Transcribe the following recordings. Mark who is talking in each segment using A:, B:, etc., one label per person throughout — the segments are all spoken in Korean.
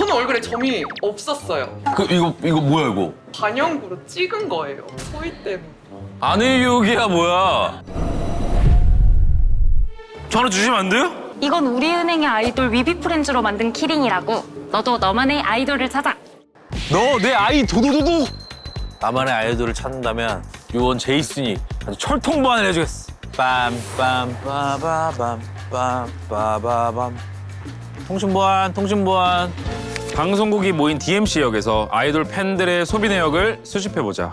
A: 저는 얼굴에 점이 없었어요.
B: 이거 뭐야 이거?
A: 반영구로 찍은 거예요. 소위 때문에.
B: 안일육이야 뭐야? 전화 주시면 안 돼요?
C: 이건 우리은행의 아이돌 위비프렌즈로 만든 키링이라고. 너도 너만의 아이돌을 찾아.
B: 너 내 아이 도도도도. 나만의 아이돌을 찾는다면 요원 제이슨이 아주 철통보안을 해주겠어. 빰빰빠바밤 빰빠바밤. 통신보안. 방송국이 모인 DMC역에서 아이돌 팬들의 소비 내역을 수집해보자.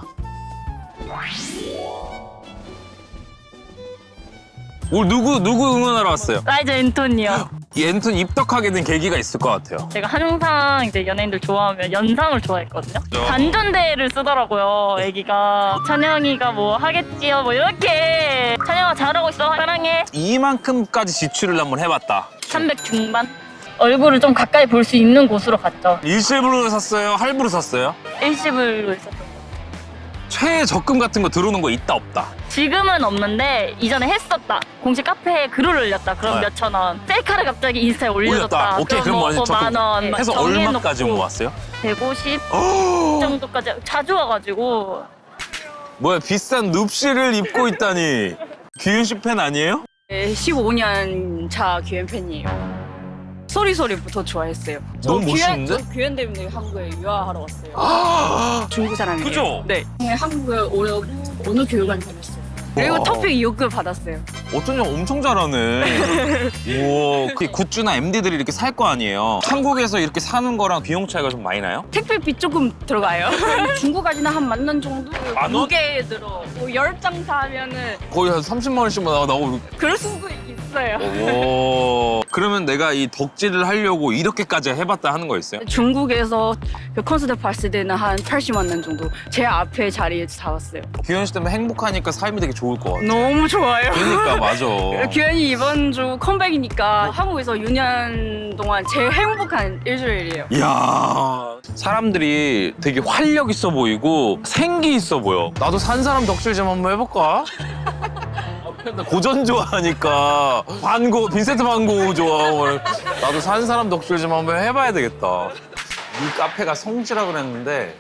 B: 오늘 누구 응원하러 왔어요?
C: 라이저 앤톤이요.
B: 이 앤톤 입덕하게 된 계기가 있을 것 같아요.
C: 제가 항상 이제 연예인들 좋아하면 연상을 좋아했거든요. 반전대를 쓰더라고요, 애기가. 찬영이가 뭐 하겠지요, 뭐 이렇게. 찬영아 잘하고 있어, 사랑해.
B: 이만큼까지 지출을 한번 해봤다.
C: 300 중반? 얼굴을 좀 가까이 볼 수 있는 곳으로 갔죠.
B: 일시불로 샀어요? 할부로 샀어요?
C: 일시불로 있었어요.
B: 최저금 같은 거 들어오는 거 있다 없다?
C: 지금은 없는데 이전에 했었다. 공식 카페에 글을 올렸다. 그럼
B: 네.
C: 몇천 원. 셀카를 갑자기 인스타에 올려줬다.
B: 올렸다. 오케이, 그럼
C: 뭐
B: 완전 적금.
C: 10,000원. 막
B: 해서
C: 정해놓고
B: 얼마까지 모았어요?
C: 150 정도까지 자주 와가지고.
B: 뭐야 비싼 눕시를 입고 있다니. 규현 씨 팬 아니에요?
D: 네, 15년 차 규현 팬이에요. 소리소리부터 좋아했어요.
B: 너무 멋있는데?
D: 저 규현 때문에 한국에 유학하러 왔어요. 중국 사람이에요.
B: 그죠?
D: 네. 한국에 오려고 어느 교육원 다녔어요. 그리고
B: 와.
D: 토픽 2급 받았어요.
B: 어쩐지 엄청 잘하네. 우와, 그 굿즈나 MD들이 이렇게 살 거 아니에요. 한국에서 이렇게 사는 거랑 비용 차이가 좀 많이 나요?
D: 택배비 조금 들어가요. 중국까지는 한 10,000원 정도?
B: 만 원?
D: 무게 들어. 뭐 10장 사면은
B: 거의 한 30만 원씩 나오고.
D: 그럴 수도 있어요.
B: 오. 그러면 내가 이 덕질을 하려고 이렇게까지 해봤다 하는 거 있어요?
D: 중국에서 그 콘서트 봤을 때는 한 80만 원 정도 제 앞에 자리에 잡았어요.
B: 규현 씨 때문에 행복하니까 삶이 되게 좋을 것 같아.
D: 너무 좋아요.
B: 그러니까 맞아.
D: 규현이 이번 주 컴백이니까 한국에서 6년 동안 제일 행복한 일주일이에요.
B: 이야, 사람들이 되게 활력 있어 보이고 생기 있어 보여. 나도 산 사람 덕질 좀 한번 해볼까? 나 고전 좋아하니까 빈센트 반 고흐 좋아하고 나도 산 사람 덕질 좀 한번 해봐야 되겠다. 이 카페가 성지라 그랬는데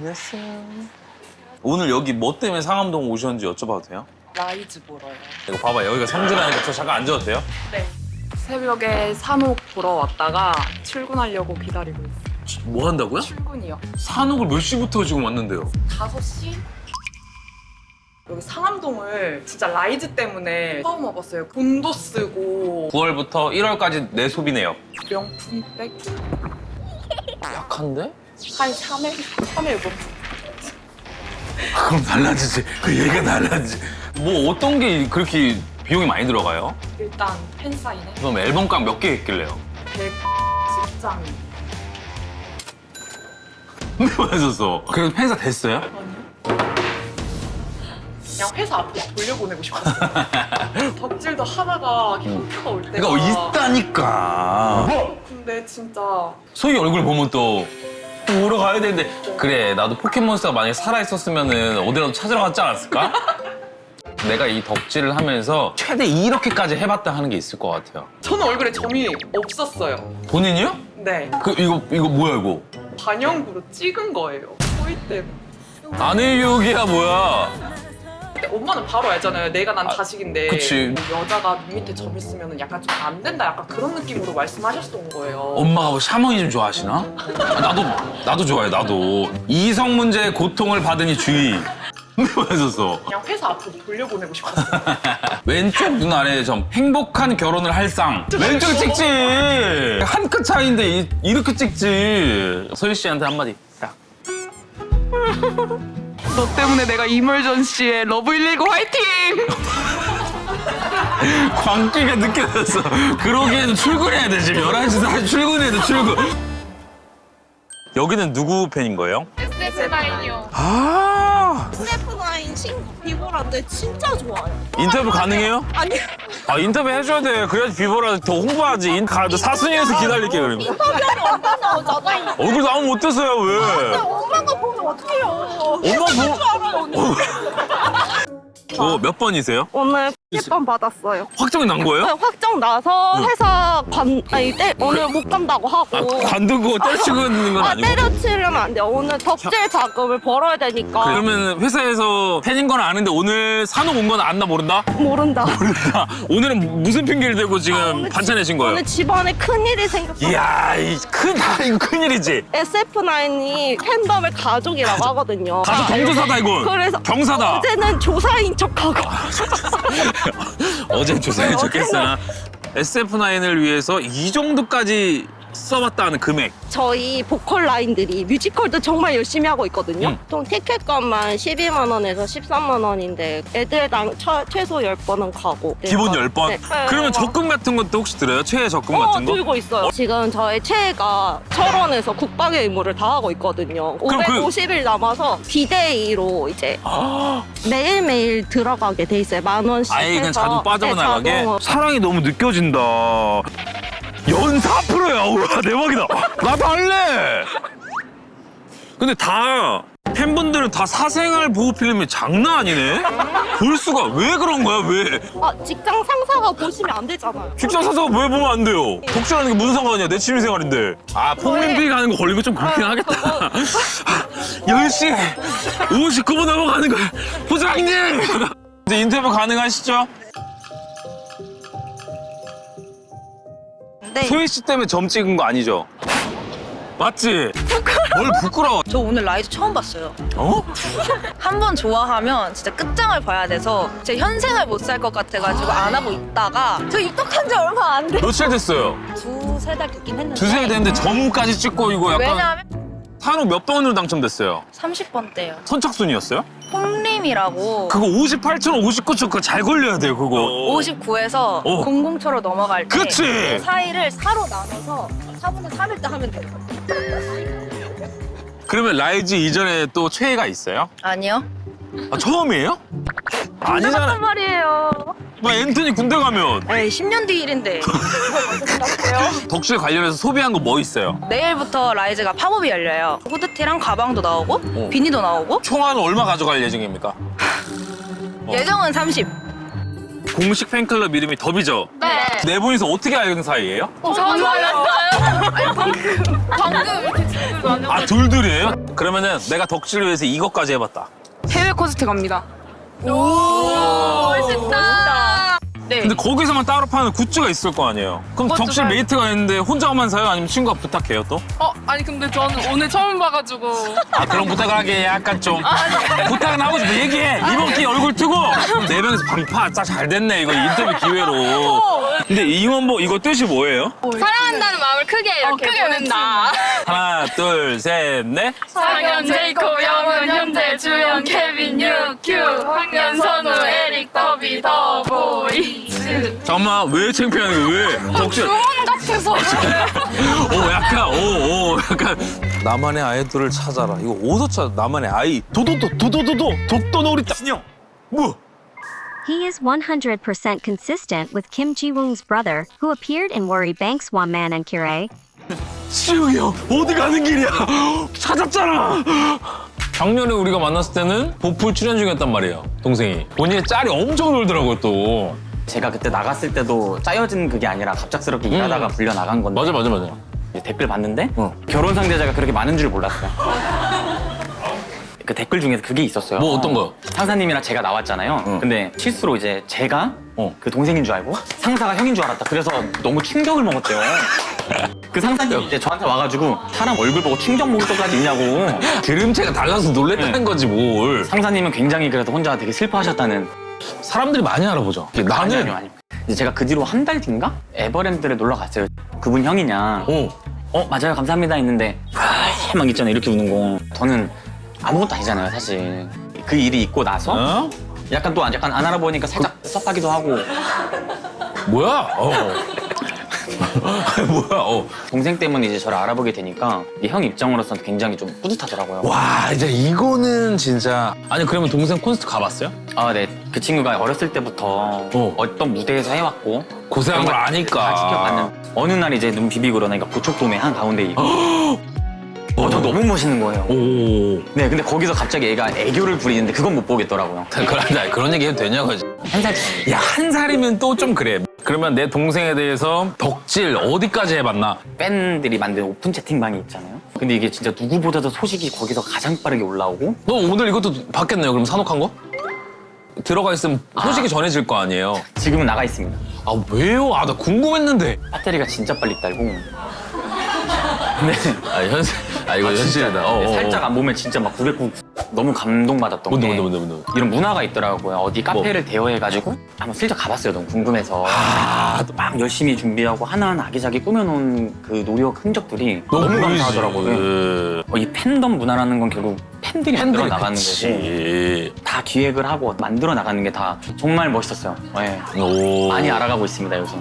B: 오늘 여기 뭐 때문에 상암동 오셨는지 여쭤봐도 돼요?
A: 라이즈 보러요.
B: 이거 봐봐, 여기가 성지라니까 저 잠깐 앉아도 돼요?
A: 네. 새벽에 산옥 보러 왔다가 출근하려고 기다리고 있어요.
B: 뭐 한다고요?
A: 출근이요.
B: 산옥을 몇 시부터 지금 왔는데요?
A: 5시? 여기 상암동을 진짜 라이즈 때문에 처음 와봤어요. 돈도 쓰고
B: 9월부터 1월까지 내 소비 내역.
A: 명품백
B: 약한데?
A: 한 샤넬 뭐
B: 그럼 달라지지. 그 얘기가 달라지지. 뭐 어떤 게 그렇게 비용이 많이 들어가요?
A: 일단 팬사인회
B: 그럼 앨범값 몇 개 했길래요?
A: 110장
B: 맞았어. 그래서 팬사 됐어요?
A: 그냥 회사 앞으로 돌려보내고 싶었어요. 덕질도 하다가 현타가 올 때가
B: 그러니까 있다니까.
A: 근데 진짜
B: 소희 얼굴 보면 또 보러 가야 되는데 그래 나도 포켓몬스터가 만약에 살아있었으면 어디라도 찾으러 갔지 않았을까? 내가 이 덕질을 하면서 최대 이렇게까지 해봤다 하는 게 있을 것 같아요.
A: 저는 얼굴에 점이 없었어요.
B: 본인이요?
A: 네.
B: 이거 뭐야 이거?
A: 반영구로 찍은 거예요. 소위 때문에.
B: 안일육이야 뭐야?
A: 근데 엄마는 바로 알잖아요. 내가 난 자식인데
B: 그치.
A: 뭐 여자가 눈 밑에 점 있으면 약간 좀 안 된다 약간 그런 느낌으로 말씀하셨던 거예요.
B: 엄마가 뭐 샤머니즘 좋아하시나? 나도 좋아해 나도. 이성 문제의 고통을 받으니 주의. 맞았어.
A: 그냥 회사 앞으로 돌려보내고 싶었어요.
B: 왼쪽 눈 아래 점 행복한 결혼을 할 상. 왼쪽 찍지. 한 끗 차이인데 이렇게 찍지. 소희 씨한테 한마디. 딱.
A: 너 때문에 내가 이멀전시에 러브 119 화이팅!
B: 광기가 느껴졌어. 그러기에는 출근해야 돼 지금 11시 40분 출근해야 돼 출근. 여기는 누구 팬인 거예요?
E: SF9이요.
B: 아
E: SF9 친구 비보라인데 진짜 좋아요.
B: 인터뷰 가능해요?
E: 아니
B: 아 인터뷰 해줘야 돼. 그래야지 비보라 더 홍보하지. 사순위에서 기다릴게 그러면.
E: 인터뷰하면 엄마 나오잖아.
B: 얼굴 나오면 못 됐어요 왜?
E: 엄마가 보면 어떡해요.
B: 엄마 뭐?
E: 알아요, 언니.
B: 몇 번이세요?
E: 오늘 10번 받았어요.
B: 확정이 난 거예요?
E: 확정 나서 회사 오늘 못 간다고 하고.
B: 관두고 때려치고 있는 건 아니고?
E: 때려치려면 안 돼요. 오늘 덕질 자금을 벌어야 되니까.
B: 그러면 회사에서 팬인 건 아는데 오늘 산옥 온 건 안나 모른다?
E: 모른다.
B: 오늘은 무슨 핑계를 대고 지금
E: 오늘
B: 반찬 내신 거예요?
E: 오늘 집안에 큰일이 생겼어.
B: 이야, 이거 큰일이지.
E: SF9이 팬덤의 가족이라고 하거든요.
B: 가서 경조사다 이건.
E: 그래서
B: 경사다.
E: 어제는 조사인 척하고.
B: 어제 조사해
E: 네,
B: 줬겠으나 SF9을 위해서 이 정도까지 써봤다는 금액.
E: 저희 보컬 라인들이 뮤지컬도 정말 열심히 하고 있거든요.
B: 음.
E: 보통 티켓값만 12만 원에서 13만 원인데 애들당 최소 10번은 가고.
B: 기본
E: 네,
B: 10번?
E: 네.
B: 그러면 적금 같은 것도 혹시 들어요? 최애 적금 같은 거?
E: 들고 있어요. 지금 저의 최애가 철원에서 국방의 의무를 다하고 있거든요.
B: 그럼
E: 550일 남아서 디데이로 이제 매일매일 들어가게 돼 있어요. 10,000원씩
B: 아예 그냥
E: 해서.
B: 자동 빠져나가게?
E: 네, 자동.
B: 사랑이 너무 느껴진다. 연사 프로야. 우와, 대박이다. 나도 할래. 근데 다 팬분들은 다 사생활 보호 필름이 장난 아니네. 볼 수가 왜 그런 거야? 왜?
E: 직장 상사가 보시면 안 되잖아요.
B: 직장 사서가 왜 보면 안 돼요? 독실하는 게 무슨 상관이야? 내 취미생활인데. 폭림비 가는 거 걸리고 좀 그렇긴 하겠다. 10시 59분 넘어가는 거야. 부장님! 이제 인터뷰 가능하시죠?
E: 네.
B: 소희 씨 때문에 점 찍은 거 아니죠? 맞지? 뭘 부끄러워?
F: 저 오늘 라이즈 처음 봤어요.
B: 어?
F: 한 번 좋아하면 진짜 끝장을 봐야 돼서 제 현생을 못 살 것 같아가지고 안 하고 있다가 저 입덕한 지 얼마 안 돼.
B: 며칠 됐어요?
F: 두세 달 됐긴 했는데.
B: 두세 달 됐는데 점까지 찍고 이거 약간
F: 왜냐하면
B: 산옥 몇 번으로 당첨됐어요?
F: 30번 때요.
B: 선착순이었어요?
F: 홈림이라고
B: 그거 58초, 59초 그거 잘 걸려야 돼요 그거.
F: 59에서
B: 어.
F: 00초로 넘어갈 때
B: 그치?
F: 그 사이를 4로 나눠서 4분의 3일 때 하면 돼요.
B: 그러면 라이즈 이전에 또 최애가 있어요?
F: 아니요.
B: 처음이에요? 아니잖아.
C: 말이에요.
B: 뭐 앤토니 군대 가면
F: 에이 10년 뒤 일인데.
B: 덕질 관련해서 소비한 거 뭐 있어요?
F: 내일부터 라이즈가 팝업이 열려요. 후드티랑 가방도 나오고 비니도 나오고
B: 총알은 얼마 가져갈 예정입니까?
F: 예정은 30.
B: 공식 팬클럽 이름이 더비죠? 네 분이서 어떻게 알는 사이예요?
C: 정말요?
B: 둘둘이에요? 그러면은 내가 덕질을 위해서 이것까지 해봤다.
D: 해외 콘서트 갑니다.
C: 멋있다.
F: 네.
B: 근데 거기서만 따로 파는 굿즈가 있을 거 아니에요? 그럼
A: 그것도
B: 덕질
A: 사요.
B: 메이트가 있는데 혼자만 사요? 아니면 친구가 부탁해요 또?
A: 아니 근데 저는 오늘 처음 봐가지고.
B: 그런 부탁을 하게 약간 좀 부탁은 하고 싶어. 얘기해. 이번 기회 얼굴 트고 그럼 네 명이서 방파 잘 됐네 이거 인터뷰 기회로. 근데 이원보 이거 뜻이 뭐예요?
C: 사랑한다는 마음을 크게 이렇게
A: 크게 보낸다.
B: 하나 둘 셋 넷.
C: 상현, 제이코, 영은, 현재, 주영, 케빈, 유큐, 황현, 선우, 에릭, 더비, 더보이.
B: 잠깐만 왜 창피하는 거야 왜? 덕질.
C: 같아서.
B: 약간 나만의 아이돌을 찾아라. 이거 어디서 찾아? 나만의 아이. 도도도 독도놀이다. 신영. 뭐?
G: He is 100% consistent with Kim Ji-woong's brother, who appeared in Worry Bank's One Man and Cure.
B: 시영이 형 어디 가는 길이야? 찾았잖아. 작년에 우리가 만났을 때는 보풀 출연 중이었단 말이에요. 동생이. 본인의 짤이 엄청 놀더라고요 또.
H: 제가 그때 나갔을 때도 짜여진 그게 아니라 갑작스럽게 일하다가 불려 나간 건데
B: 맞아.
H: 이제 댓글 봤는데 결혼 상대자가 그렇게 많은 줄 몰랐어요. 그 댓글 중에서 그게 있었어요.
B: 뭐 어떤 거요?
H: 상사님이랑 제가 나왔잖아요. 근데 실수로 이제 제가 그 동생인 줄 알고 상사가 형인 줄 알았다. 그래서 너무 충격을 먹었대요. 그 상사님이 이제 저한테 와가지고 사람 얼굴 보고 충격 먹을 것까지 있냐고.
B: 기름체가 달라서 놀랬다는 거지 뭘.
H: 상사님은 굉장히 그래도 혼자 되게 슬퍼하셨다는.
B: 사람들이 많이 알아보죠. 나는
H: 아니요. 이제 제가 그 뒤로 한 달 뒤인가? 에버랜드를 놀러 갔어요. 그분 형이냐. 맞아요 감사합니다 했는데 막 있잖아요 이렇게 우는 거. 저는 아무것도 아니잖아요 사실. 그 일이 있고 나서 약간 또 약간 안 알아보니까 살짝 섭하기도 하고.
B: 뭐야? 뭐야?
H: 동생 때문에 이제 저를 알아보게 되니까 이게 형 입장으로서는 굉장히 좀 뿌듯하더라고요.
B: 와 이제 이거는 진짜. 아니 그러면 동생 콘서트 가봤어요?
H: 네. 그 친구가 어렸을 때부터 어떤 무대에서 해왔고
B: 고생한 걸 아니까.
H: 다 지켜봤는. 어느 날 이제 눈 비비고 그러니까 고척돔의 한 가운데 있고 저 너무 멋있는 거예요.
B: 오.
H: 네, 근데 거기서 갑자기 애가 애교를 부리는데 그건 못 보겠더라고요.
B: 그런 얘기 해도 되냐고.
H: 한 살.
B: 야, 한 살이면 또 좀 그래. 그러면 내 동생에 대해서 덕질 어디까지 해봤나?
H: 팬들이 만든 오픈 채팅방이 있잖아요. 근데 이게 진짜 누구보다도 소식이 거기서 가장 빠르게 올라오고
B: 너 오늘 이것도 받겠네요, 그럼 산옥한 거? 들어가 있으면 소식이 전해질 거 아니에요?
H: 지금은 나가 있습니다.
B: 아, 왜요? 아, 나 궁금했는데.
H: 배터리가 진짜 빨리 딸고. 네.
B: 이거 현실이다.
H: 살짝 안 보면 진짜 막 909 너무 감동받았던 게
B: 뭔데.
H: 이런 문화가 있더라고요. 어디 카페를 대여해가지고 한번 슬쩍 가봤어요. 너무 궁금해서. 또막 열심히 준비하고 하나하나 아기자기 꾸며놓은 그 노력 흔적들이 너무 감사하더라고요. 이 팬덤 문화라는 건 결국 팬들이 만들어 나가는 거고 다 기획을 하고 만들어 나가는 게 다 정말 멋있었어요. 네.
B: 오.
H: 많이 알아가고 있습니다, 요즘.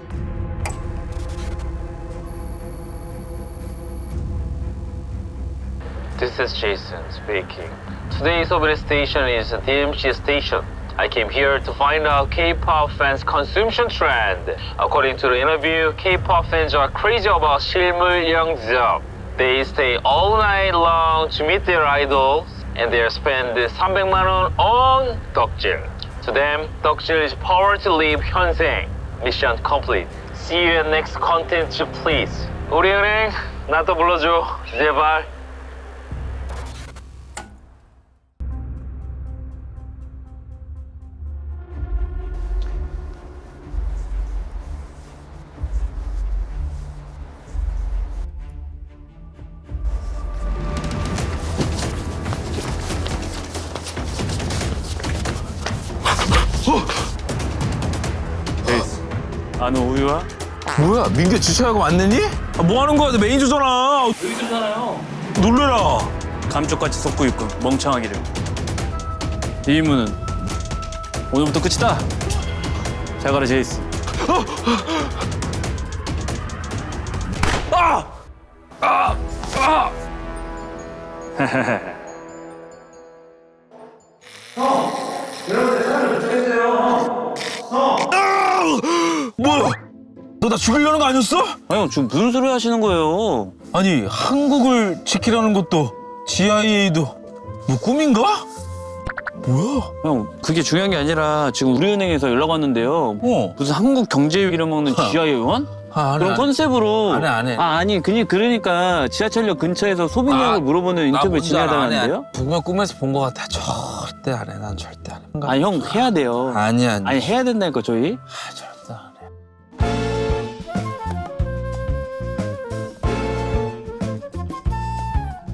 I: This is Jason speaking. Today's open station is DMC station. I came here to find out K-pop fans' consumption trend. According to the interview, K-pop fans are crazy about 실물 영접. They stay all night long to meet their idols, and they spend 300만 원 on 덕질. To them, 덕질 is power to live 현생. Mission complete. See you at next content, please. 우리 은행 나도 불러줘, 제발.
H: 너 우유야?
B: 뭐야, 민규 주차하고 왔느니? 뭐 하는 거야? 내 매니저잖아. 매니저잖아요. 놀래라.
J: 감쪽같이 속고 있고 멍청하기를. 이 임무는 오늘부터 끝이다. 잘 가라 제이스.
B: 뭐야? 너 나 죽이려는 거 아니었어?
J: 형 지금 무슨 소리 하시는 거예요?
B: 아니, 한국을 지키라는 것도 GIA도 뭐 꿈인가? 뭐야?
J: 형 그게 중요한 게 아니라 지금 우리은행에서 연락 왔는데요. 무슨 한국 경제 잃어먹는 GI 의원? 그런 컨셉으로
B: 안 해.
J: 아니 그러니까 지하철역 근처에서 소비량을 물어보는 인터뷰 진행하다는데요?
B: 분명 꿈에서 본 거 같아. 절대 안 해. 난 절대 안 해.
J: 아니 형 해야 돼요.
B: 아니야.
J: 아니 해야 된다니까 저희.
B: 절대